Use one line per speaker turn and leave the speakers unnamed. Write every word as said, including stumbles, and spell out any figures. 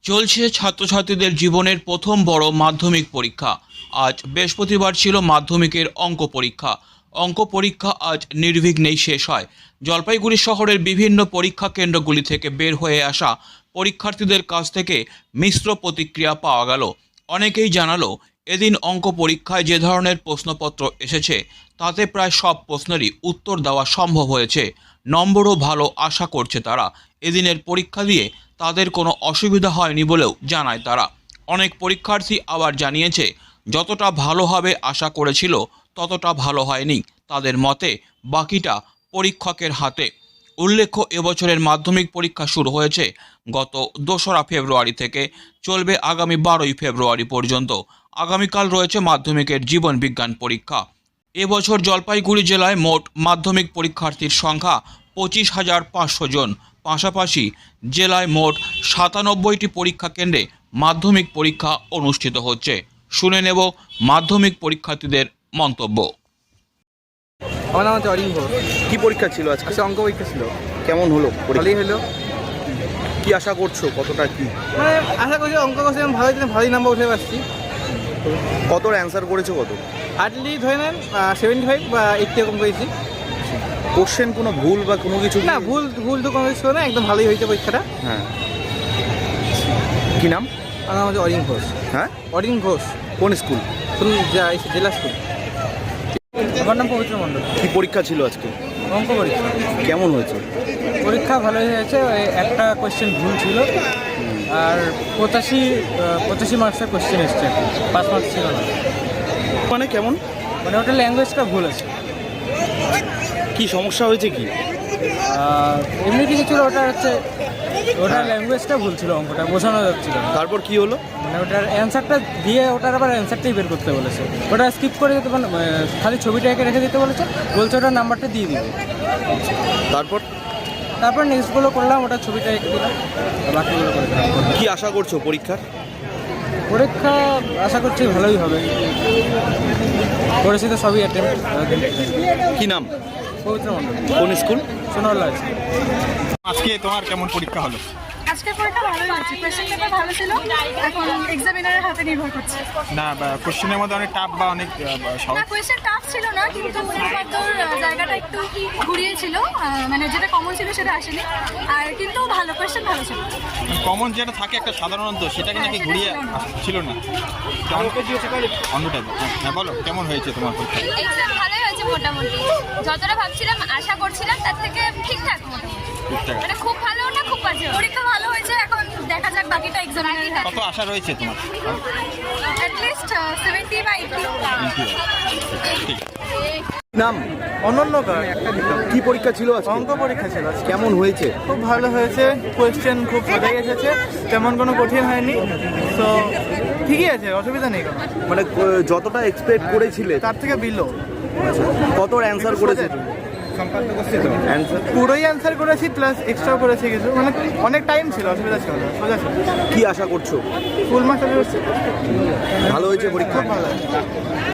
চলছে ছাত্রছাত্রীদের জীবনের প্রথম বড় মাধ্যমিক পরীক্ষা। আজ বৃহস্পতিবার ছিল মাধ্যমিকের অঙ্ক পরীক্ষা। অঙ্ক পরীক্ষা আজ নির্বিঘ্নেই শেষ হয়। জলপাইগুড়ি শহরের বিভিন্ন পরীক্ষা কেন্দ্রগুলি থেকে বের হয়ে আসা পরীক্ষার্থীদের কাছ থেকে মিশ্র প্রতিক্রিয়া পাওয়া গেল। অনেকেই জানালো, এদিন অঙ্ক পরীক্ষায় যে ধরনের প্রশ্নপত্র এসেছে তাতে প্রায় সব প্রশ্নেরই উত্তর দেওয়া সম্ভব হয়েছে। নম্বরও ভালো আশা করছে তারা। এদিনের পরীক্ষা দিয়ে তাদের কোনো অসুবিধা হয়নি বলেও জানায় তারা। অনেক পরীক্ষার্থী আবার জানিয়েছে, যতটা ভালো হবে আশা করেছিল ততটা ভালো হয়নি তাদের মতে, বাকিটা পরীক্ষকের হাতে। উল্লেখ্য, এবছরের মাধ্যমিক পরীক্ষা শুরু হয়েছে গত দোসরা ফেব্রুয়ারি থেকে, চলবে আগামী বারোই ফেব্রুয়ারি পর্যন্ত। আগামীকাল রয়েছে মাধ্যমিকের জীবন বিজ্ঞান পরীক্ষা। এবছর জলপাইগুড়ি জেলায় মোট মাধ্যমিক পরীক্ষার্থীর সংখ্যা পঁচিশ হাজার পাঁচশো জন। পাশাপাশি জেলায় মোট সাতানব্বইটি পরীক্ষা কেন্দ্রে মাধ্যমিক পরীক্ষা অনুষ্ঠিত হচ্ছে। শুনে নেব মাধ্যমিক পরীক্ষার্থীদের মন্তব্য।
আমার নাম হচ্ছে অরিন ঘোষ।
কি পরীক্ষা ছিল আজকে?
আজকে অঙ্ক পরীক্ষা ছিল।
কেমন হলো পরীক্ষা?
ভালোই হলো।
কি আশা করছো, কতটা কি?
মানে আশা করছি অঙ্ক করছি আমি ভালোই ভালোই নাম্বার উঠে পাচ্ছি।
কত অ্যান্সার করেছো? কত
হার্ডলি ধরে নেন সেভেন্টি ফাইভ বা এইটটি এরকম করেছি।
কোশ্চেন কোনো ভুল বা কোনো কিছু?
না, ভুল ভুল তো কোনো কিছু না, একদম ভালোই হয়েছে পরীক্ষাটা।
হ্যাঁ। কি নাম?
আমার নাম হচ্ছে অরিন ঘোষ।
হ্যাঁ,
অরিন ঘোষ।
কোন স্কুল?
শুনুন, জেলা স্কুল। আমার নাম পবিত্র মণ্ডল।
কি পরীক্ষা ছিল আজকে?
অঙ্ক পরীক্ষা।
কেমন হয়েছে?
পরীক্ষা ভালোই হয়েছে। একটা কোয়েশ্চেন ভুল ছিল আর পঁচাশি পঁচাশি মার্কসের কোয়েশ্চেন এসছে, পাঁচ মার্কস ছিল না।
মানে কেমন?
মানে ওটা ল্যাঙ্গুয়েজটা ভুল আছে।
কি সমস্যা হয়েছে? কি
এমনি কিছু ছিল, ওটা হচ্ছে ওটার ল্যাঙ্গুয়েজটা ভুল ছিল, অঙ্কটা বোঝানো যাচ্ছিল না।
তারপর কি হলো?
মানে ওটার অ্যান্সারটা দিয়ে ওটার আবার অ্যান্সারটাই বের করতে বলেছে। ওটা স্কিপ করে দিতে, মানে খালি ছবিটা এঁকে রেখে দিতে বলেছে, বলছে ওটার নাম্বারটা দিয়ে দিবে।
তারপর
তারপর নেক্সটগুলো করলাম, ওটা ছবিটা এঁকে দিলাম, বাকিগুলো করে দিলাম।
কি আশা করছো পরীক্ষার?
পরীক্ষা আশা করছি ভালোই হবে। করেছি তো সবই অ্যাটেম্প।
কি নাম?
পবিত্র মণ্ডল।
কোন স্কুল?
সোনারলা।
আজকে তোমার কেমন পরীক্ষা হলো?
আজকের পরীক্ষা ভালোই হয়েছে। কোয়েশ্চেন পেপার ভালো ছিল, এখন এক্সামিনারের হাতে নির্ভর করছে।
না, কোশ্চেনের মধ্যে অনেক টাফ বা অনেক আহ, সহজ।
না, কোয়েশ্চেন টাফ ছিল না, কিন্তু উত্তর জায়গাটা একটু ঘুরিয়েছিল, মানে যেটা কমন ছিল সেটা আসেনি। আর কিন্তু ভালো, কোয়েশ্চেন ভালো ছিল।
কমন যেটা থাকে একটা সাধারণত, সেটাকে নাকি ঘুরিয়ে ছিল না, অন্য টাইপ। হ্যাঁ, বলো কেমন হয়েছে তোমার পরীক্ষা?
এক্সাম ভালোই হয়েছে মোটামুটি। যতটা ভাবছিলাম, আশা করছিলাম তার থেকে ঠিকঠাক মোটামুটি।
ঠিকঠাক।
মানে খুব ভালো না খুব বাজে।
পরীক্ষা ভালো হয়েছে, এখন দেখা যাক বাকিটা এক্সামিনারের হাতে।
কত আশা রয়েছে তোমার?
অ্যাটলিস্ট সেভেন্টি বা এইটটি।
ঠিক।
নাম?
অনন্যকার।
কি পরীক্ষা ছিল আজকে?
অঙ্ক পরীক্ষা ছিল।
কেমন হয়েছে?
খুব ভালো হয়েছে। কোয়েশ্চেন খুব সোজাই এসেছে, তেমন কোনো কঠিন হয়নি। তো ঠিকই আছে, অসুবিধা নেই কোনো।
মানে ক- যতটা এক্সপেক্ট করেছিলে
তার থেকে বিলো।
কত অ্যান্সার করেছে? অ্যান্সার
পুরোই অ্যান্সার করেছি, প্লাস এক্সট্রাও করেছি কিছু। মানে অনেক টাইম ছিল, অসুবিধা ছিল না, সোজা ছিল।
কি আশা করছো?
ফুল মার্কস
ভালো হয়েছে পরীক্ষা?
ভালো।